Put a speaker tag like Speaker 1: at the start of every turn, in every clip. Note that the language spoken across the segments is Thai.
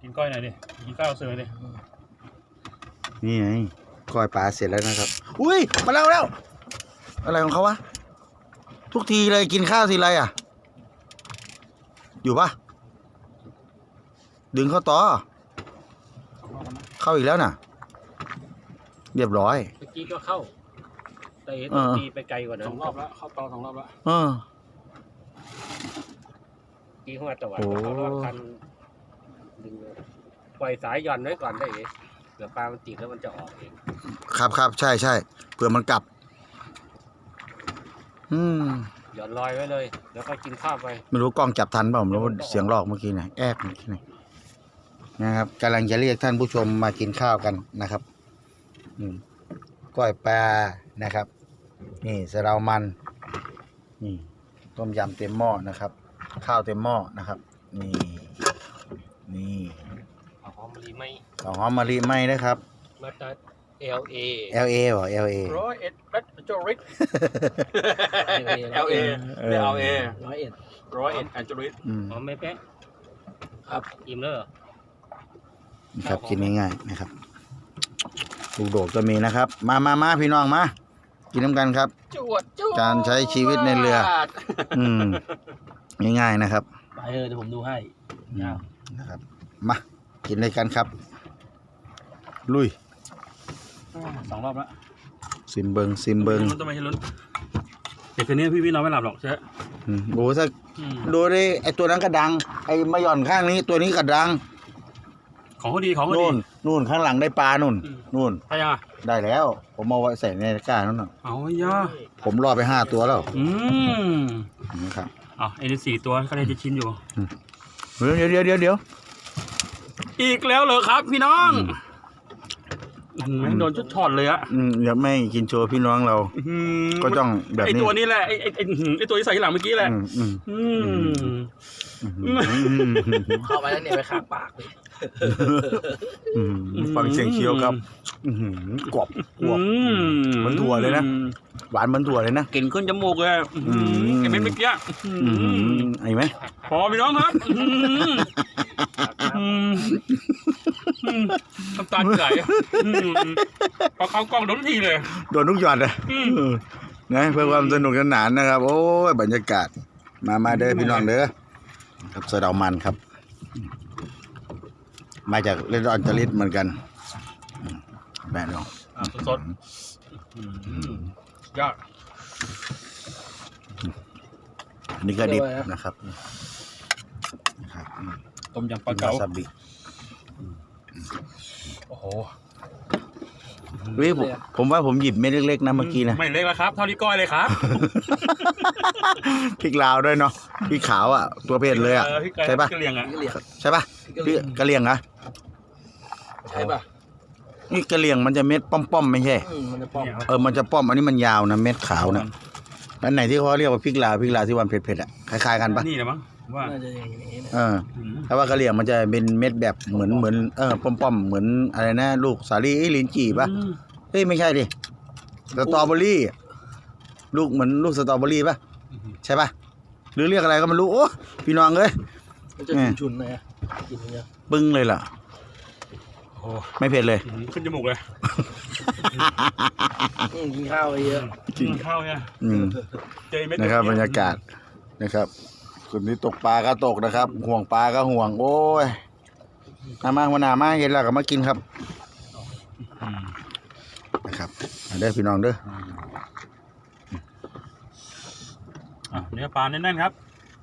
Speaker 1: กินก้อยหน่อยดิกินข้าวเสือดิ
Speaker 2: นี่ไงก้อยปลาเสร็จแล้วนะครับอุ้ยมาแล้วอะไรของเขาวะทุกทีเลยกินข้าวทีไรอ่ะอยู่ปะดึงเข้าต่อเข้าอีกแล้วน่ะเรียบร้อย
Speaker 3: เมื่อกี้ก็เข้าแต่ตีไปไกลกว่านั้น
Speaker 1: 2 รอบแล้วเข้าต่อ2 รอบแล้ว
Speaker 3: ตีเข้ามาตะวันเขารอบคันดึงปล่อยสายหย่อนไว้ก่อนได้เดี๋ยวปลามันติดแล้วมันจะออกเอง
Speaker 2: ครับใช่เผื่อมันกลับ
Speaker 3: หย่อนลอยไว้เลยแล้วก็กินข้าวไป
Speaker 2: ไม่รู้กล้องจับทันเปล่าไม่รู้เสียงลอกเมื่อกี้เนี่ยแอบเมื่อกี้เนี่ยนะครับกำลังจะเรียกท่านผู้ชมมากินข้าวกันนะครับก้อยปลานะครับนี่สะเดามันนี่ต้มยำเต็มหม้อนะครับข้าวเต็มหม้อนะครับนี่
Speaker 3: หอมมะลิไหม
Speaker 2: หอมมะลิไหมนะครับ
Speaker 3: มาจาก LA
Speaker 2: เหรอ LA
Speaker 1: 101รัชจริต LA 101อันจริต
Speaker 3: หอมไม่แป๊ะครับอิ่มเลย
Speaker 2: ครับกินง่ายๆนะครับลูกโดดก็มีนะครับมาพี่น้องมากินน้ำกันครับการใช้ชีวิตในเรือง่ายๆนะครับ
Speaker 1: ไปเดี๋ยวผมดูให้
Speaker 2: นะครับมากินเลยกันครับลุย
Speaker 1: 2 รอบแล้ว
Speaker 2: ซิมเบิง
Speaker 1: มันต้องไม่ใช่ลุ้นเด็กคนนี้พี่นอนไม่หลับหรอกใช่
Speaker 2: โอ้ถ้าดูดิไอตัวนั้นกระดังไอมาหย่อนข้างนี้ตัวนี้กระดัง
Speaker 1: ของเขาดี
Speaker 2: นู่นข้างหลังได้ปลานู่น
Speaker 1: ใช่ยัง
Speaker 2: ได้แล้วผมเอาไว้ใส่ในตะกร้านั่นน่ะ
Speaker 1: เอาย่า
Speaker 2: ผมรอไป5 ตัวแล้ว
Speaker 1: ครับไอ้นี่4 ตัวก็ได้จะชิ้นอยู่
Speaker 2: เดี๋ยว
Speaker 1: อีกแล้วเหรอครับพี่น้องโดนชุดช็อตเลยอะ
Speaker 2: เดี๋ยวไม่กินโชว์พี่น้องเราก็ต้องแบบนี้
Speaker 1: ไอตัวนี้แหละไอตัวที่ใส่หลังเมื่อกี้แหละ
Speaker 3: เข้าไปแล้วเนี่ยไปขาปากเลย
Speaker 2: ฟังเสียงเคี้ยวครับกรอบเหมือนถั่วเลยนะหวานเหมือนถั่วเลยนะ
Speaker 1: กลิ่นขึ้นจมูกเลยไอเม็ดเมื่อกี้
Speaker 2: ไอ้ไหม
Speaker 1: พอพี่น้องครับน้ำตาไหลพอเข้ากล้องโดนทีเลย
Speaker 2: โดนทุกหยอดเลยนะเพื่อความสนุกสนานนะครับโอ้ยบรรยากาศมาเด้อพี่น้องเด้อครับสะเดามันครับมาจากเรดอนจริตเหมือนกันแม่น้อง
Speaker 1: สดยอด
Speaker 2: อันนี้ก็ดิบนะครับ
Speaker 1: ต้มยำปลาเก๋า
Speaker 2: ซาบิ
Speaker 1: โอ้โห
Speaker 2: ผมว่าผมหยิบเม็ดเล็กๆนะเมื่อกี้นะ
Speaker 1: ไม่เล็กแล้วครับเท่านี้ก้อยเลยครับ
Speaker 2: พริกลาวด้วยเนาะพริกขาวอ่ะตัวเผ็ดเลยอ่ะใช่ปะใช่ปะพี่กะเหรี่ยงเหรอ
Speaker 3: ใช่ปะ
Speaker 2: นี่กะเหรี่ยงมันจะเม็ดป้อมๆไม่ใช่
Speaker 3: มันจะป้อม
Speaker 2: มันจะป้อมอันนี้มันยาวนะเม็ดขาวนะอันไหนที่เขาเรียกว่าพริกลาวที่วันเผ็ดๆอ่ะคล้ายๆกันปะ
Speaker 1: นี่นะมั้งว่า
Speaker 2: ถ้าว่ากะเหรี่ยงมันจะเป็นเม็ดแบบเหมือนป้อมๆเหมือนอะไรนะลูกสาลี่ลิ้นจี่ปะเฮ้ยไม่ใช่ดิสตรอเบอรี่ลูกเหมือนลูกสตรอเบอรี่ปะใช่ปะหรือเรียกอะไรก็ไม่รู้โอ้พี่น้องเลย
Speaker 3: มันจะชุนๆเลยกินเยอะ
Speaker 2: ปึ้งเลยล่ะไม่เผ็ดเลย
Speaker 1: ขึ้นจมูกเลย
Speaker 3: กินข้าวเยอะ
Speaker 1: กินข้าวเนี่ย
Speaker 2: นะครับบรรยากาศนะครับคนที่ตกปลาก็ตกนะครับห่วงปลาก็ห่วงโอ้ยมาเห็นแล้วก็มากินครับนะครับเด้อพี่น้องเด้อ
Speaker 1: เนื้อปลาแน่นๆครับ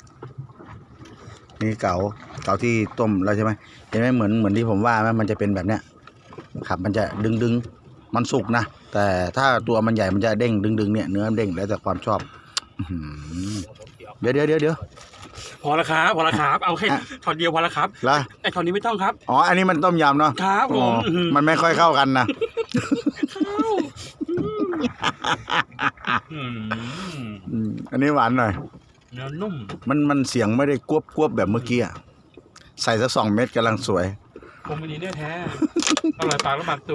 Speaker 2: นี่เก๋าที่ต้มแล้วใช่ไหมเห็นไหมเหมือนที่ผมว่าไหมมันจะเป็นแบบเนี้ยครับมันจะดึงมันสุกนะแต่ถ้าตัวมันใหญ่มันจะเด้งดึงเนี่ยเนื้อเด้งแล้วแต่ความชอบเดี๋ยว
Speaker 1: พอละครับเอาแค่ช็อตเดียวพอละครับไอ้ช็อตนี้ไม่ต้องครับ
Speaker 2: อันนี้มันต้มยำเนาะ
Speaker 1: ครับผม
Speaker 2: มันไม่ค่อยเข้ากันนะอันนี้หวานหน่อย
Speaker 1: เนื้อนุ่ม
Speaker 2: มันเสียงไม่ได้กวบแบบเมื่อกี้อ่ะใส่สัก2 เม็ดกำลังสวย
Speaker 1: ผมไม่ดีแน่แท้อร่อยปากแล้วปากตู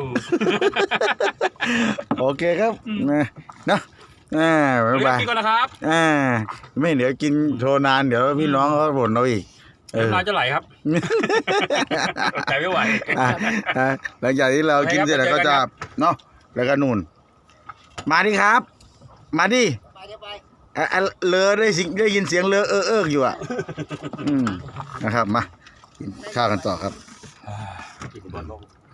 Speaker 2: โอเคครับนะ
Speaker 1: บ๊ายบายกินก่อนนะครับ
Speaker 2: ไม่เดี๋ยวกินโชว์นานเดี๋ยวพี่น้องเขาบ่นเราอีก
Speaker 1: น้ำลายจะไหลครับใจไม่ไหว
Speaker 2: หลังจากที่เรากินเสร็จแล้วก็จะเนาะแล้วก็นู่นมาดิครับ มาดิเลอได้ยินเสียงเลออยู่อ่ะนะครับมากินข้าวกันต่อครับ
Speaker 1: กินบอลลง